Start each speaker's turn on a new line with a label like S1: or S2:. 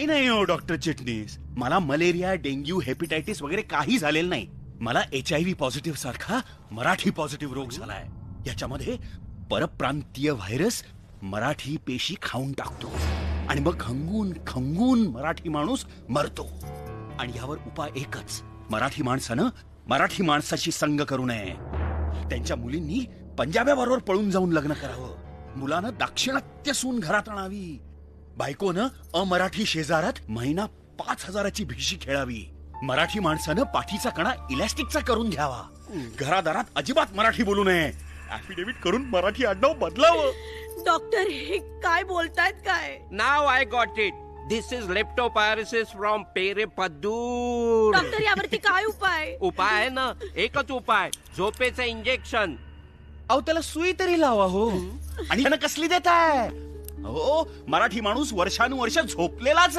S1: नाही हो डॉक्टर चिटणीस, मला मलेरिया, डेंग्यू, हेपॅटायटिस वगैरे काही झालेलं नाही. मला HIV पॉझिटिव्ह सारखा मराठी पॉझिटिव्ह रोग झालाय. याच्यामध्ये परप्रांतीय व्हायरस मराठी पेशी खाऊन टाकतो आणि मग खंगून खंगून मराठी माणूस मरतो. आणि यावर उपाय एकच, मराठी माणसानं मराठी माणसाशी संग करू नये. त्यांच्या मुलींनी पंजाब्याबरोबर पळून जाऊन लग्न करावं. मुलानं दाक्षिणात्य सून घरात आणावी. बायकोनं अमराठी शेजारात महिना 5,000ची भिशी खेळावी. मराठी माणसानं पाठीचा कणा इलॅस्टिकचा करून घ्यावा. घरादारात अजिबात मराठी बोलू नये. ऍफिडेव्हिट करून मराठी आडनाव बदलावं.
S2: डॉक्टर हे काय बोलतायत काय?
S3: Now I got it. This is leptospirosis from Perepaddur.
S2: Doctor यावरती काय उपाय?
S3: उपाय आहे ना, एकच उपाय, झोपेचं इंजेक्शन.
S1: अहो त्याला सुई तरी लावा हो. आणि त्यानं कसली देताय? हो, मराठी माणूस वर्षानुवर्ष झोपलेलाच